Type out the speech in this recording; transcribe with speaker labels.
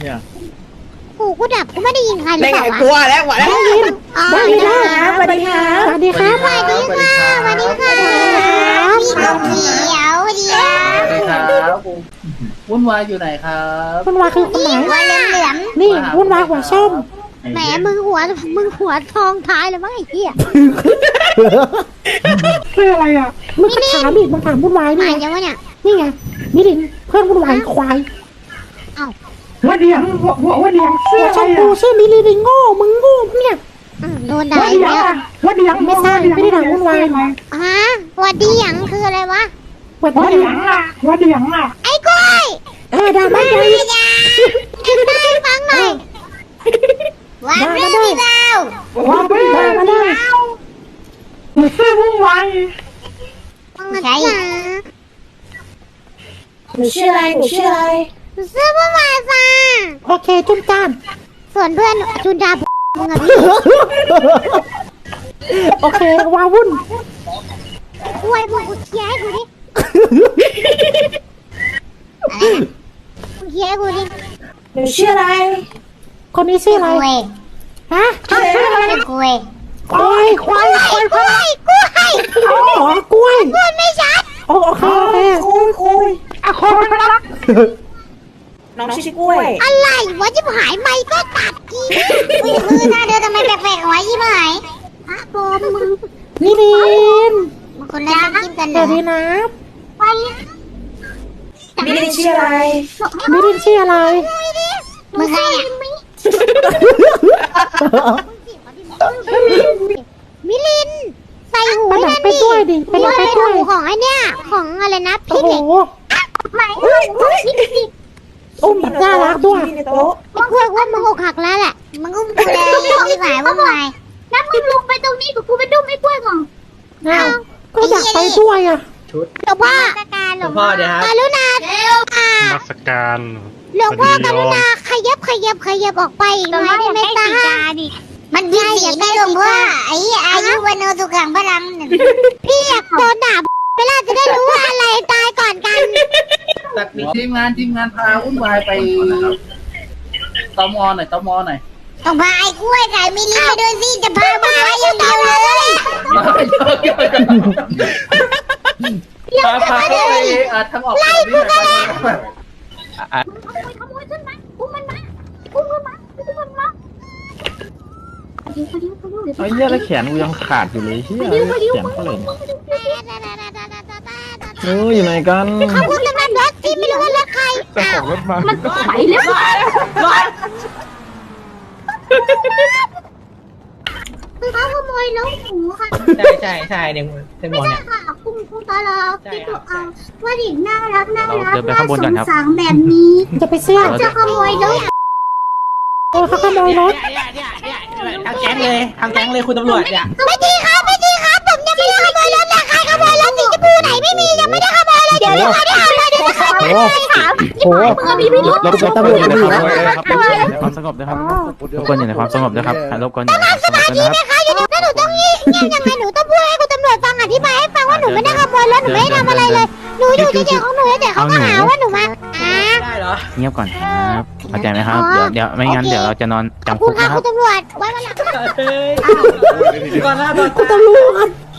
Speaker 1: เนี่ย
Speaker 2: หูกูดับกูไม่ได้ยินใครหรือ
Speaker 3: ได้
Speaker 2: เป
Speaker 3: ไง
Speaker 2: ล่าวะ
Speaker 3: กลัวแล้วหัวแล้ว
Speaker 2: ได้ยิน
Speaker 3: สวัสดีครับ
Speaker 2: สวัสดีครับสวัสดีค่ะสวัสดีค่ะพี่นกเขียวเดียว
Speaker 1: สวัสดีครับวุ่นวายอยู่ไหนครับ
Speaker 4: วุ่นวายคือคนไหน
Speaker 2: หัวเหลือง
Speaker 4: นี่วุ่นวายหัวส้ม
Speaker 2: ๆแหมมึงหัวทองท้ายเลยมั้งไอ้เหี้ย
Speaker 4: คืออะไรอ่ะมึงก็ถามอีกมึงถามวุ่นวายนี่
Speaker 2: หาย
Speaker 4: ไง
Speaker 2: ยังวะเนี่ย
Speaker 4: นี่ไงมิลินเพื่อนวุ่นวายควาย
Speaker 3: หัวเดียงหัวเดียง
Speaker 4: หัวชมพูชื่อมิลินโง่มึงโง่เนี่ย
Speaker 2: โดนด่าอีกแล้ว
Speaker 3: หัวเดียง
Speaker 4: ไม่ใช่ไม่ได้ถามวุ่นวาย
Speaker 2: ฮะวัดดีหยังคืออะไรวะ
Speaker 4: หัว
Speaker 3: หัว
Speaker 4: เดี
Speaker 3: เดี
Speaker 4: ย
Speaker 3: ยงอ่ะหัวเดียงอ่ะ
Speaker 2: ไอ้กล้วย
Speaker 4: ด่าไม่ได้
Speaker 2: ไม่ยาเอ็นได้ฟังหน่อยวันไม่มีดาว
Speaker 3: หัวเดียง
Speaker 4: มาได้
Speaker 3: หนูซื้อวุ่นวาย
Speaker 2: ใช่
Speaker 4: หนูชื่ออะไรหนูชื่ออะไร
Speaker 2: ซื้อมาใหม่จ้า
Speaker 4: โอเคจุ้มจ้าน
Speaker 2: ส่วนเพื่อนจุนดามึงอะพี่
Speaker 4: โอเควาวุ่น
Speaker 2: กล้วยมึงกูเคลียร์ให้กูดิมึงเคลียร์ให้กูดิ
Speaker 4: หนูชื่ออะไร คนนี้ชื่ออะไร
Speaker 2: กล้วย
Speaker 4: ฮะชื่ออะไร
Speaker 2: กล้วย
Speaker 4: ควายควายควาย
Speaker 2: กล้วยกล้วย
Speaker 4: อ๋อกล้วย
Speaker 2: กล้วยไม่ชัด
Speaker 4: โอเคโอเค
Speaker 3: คุยอะคนรักน้องชื่อกล้วย
Speaker 2: อะไรวะจิบหายไม่ก็ตัดกีมือหน้าเธอทำไมแปลกๆวะยี่หายฮะโบมึง
Speaker 4: มิลิน
Speaker 2: มึงคนละกินกัน
Speaker 4: ส
Speaker 2: เหร
Speaker 4: วั
Speaker 2: อ
Speaker 4: สดีนะ
Speaker 2: ไป
Speaker 3: มิลินชื่ออะไร
Speaker 4: มิลินชื่ออะไร
Speaker 2: มึงใครเนี่ยมิลินใส่หู
Speaker 4: ไปไหน
Speaker 2: นั่น
Speaker 4: ไป
Speaker 2: ดิ
Speaker 4: ด้วยดิไปไหนไป
Speaker 2: ไป
Speaker 4: ด้วย
Speaker 2: หูของไอเนี่ยของอะไรนะ
Speaker 4: โอ้
Speaker 2: พี่
Speaker 4: โห
Speaker 2: เด็กไม่
Speaker 4: อุ้มแบบน่ารักด้วย
Speaker 2: มึงกลัวว่ามึงอกหักแล้วแหละมึงอุ้มกูเลยรีบหายว่าไงแล้วมึงลงไปตรงนี้กับกูไปดุ้มไอ้กล้วยก่อน
Speaker 4: อ้าวก็อยากไปด้วยอ่ะ
Speaker 2: หลวงพ่อ
Speaker 1: หลวงพ่อเดี๋ยวครับ
Speaker 2: กรุณาอ่า
Speaker 5: มัสการ
Speaker 2: หลวงพ่อกรุณาขยับออกไปอีกหน่อยได้ไหมตามันมีสีไม่หลวงพ่อไอ้อายุวันโนสุขังพลังพี่อยากโดนด่าเวลาจะได้รู้ว่าอะไรตายก่อนกัน
Speaker 1: ตัดทีมงานพาวุ่นวายไปตมหน่อยตมหน่อย
Speaker 2: ต้องพาไอ้กล้วยไก่มิลลิไปด้วยสิจะพามาอย่างเดียวเลย
Speaker 1: พาเข้าไปทางออกไล่กูก็ได้ขโมยขึ้นมาอุ้มมันมา
Speaker 6: ไอ้เหี้ยแล้วแขนกูยังขาดอยู่เลยเหี้ยแขนเขาเลยอยู่ไหนกัน
Speaker 2: ขอบคุณสำหรับรถที่ไม่รู้ว่ารถใคร
Speaker 6: เจ้าของรถมา
Speaker 2: มันไปแล้วคือเขาขโมยน้องหมูค่ะ
Speaker 3: ใช่เนี่ยเป็นหม
Speaker 2: ไม่
Speaker 3: ด
Speaker 2: ใช่
Speaker 3: เนี่ย
Speaker 2: ค่ะคุณตาลาที่ถูกเอาว่าเด็กน่ารัก
Speaker 6: เดินไปข้างบนก่อนครับ
Speaker 2: สงแบบนี้
Speaker 4: จะไปเสื้อ
Speaker 2: จะขโมยรถ
Speaker 4: เขาขโมยรถ
Speaker 3: ทางแก๊งเลยคุณตำรวจเนี่ย
Speaker 2: ไม่ดีครับผมยังไม่ได้ขโมยรถเลยใครขโมยรถสีชมพูไหนไม่มียังไม่ได้ขโมยเลยเดี๋ยวไม่ได้เอาเลยเดี๋ยวจะขโมยเลยค่ะ
Speaker 4: โอ้โห
Speaker 6: รบกวนตำรวจอยู่ในความสงบนะครับรบกวนอยู่ในความสงบนะครับรบกวนอยู่ในความสงบนะครับ
Speaker 2: นะคะอยู่ถ้าหนูต้องงี้ยังไงหนูต้องพูดให้คุณตำรวจฟังอธิบายให้ฟังว่าหนูไม่ได้ขโมยรถหนูไม่ได้ทำอะไรเลยหนูอยู่เฉยๆของหนูแต่เขาก็หาว่าหนูมา
Speaker 3: ได้เหรอ
Speaker 6: เงียบก่อนครับเข้าใจไหมครับเดี๋ยวไม่งั้นเดี๋ยวเราจะนอน
Speaker 2: ขอบ
Speaker 6: จำ
Speaker 2: คุ
Speaker 6: คุ
Speaker 2: ณ
Speaker 6: ก
Speaker 2: ค่ะ
Speaker 6: นะค
Speaker 2: คุ
Speaker 6: รับ
Speaker 2: ณตำรวจไว้วันหลัง
Speaker 3: ก่อนหน้าตอน
Speaker 4: คุณตำรวจ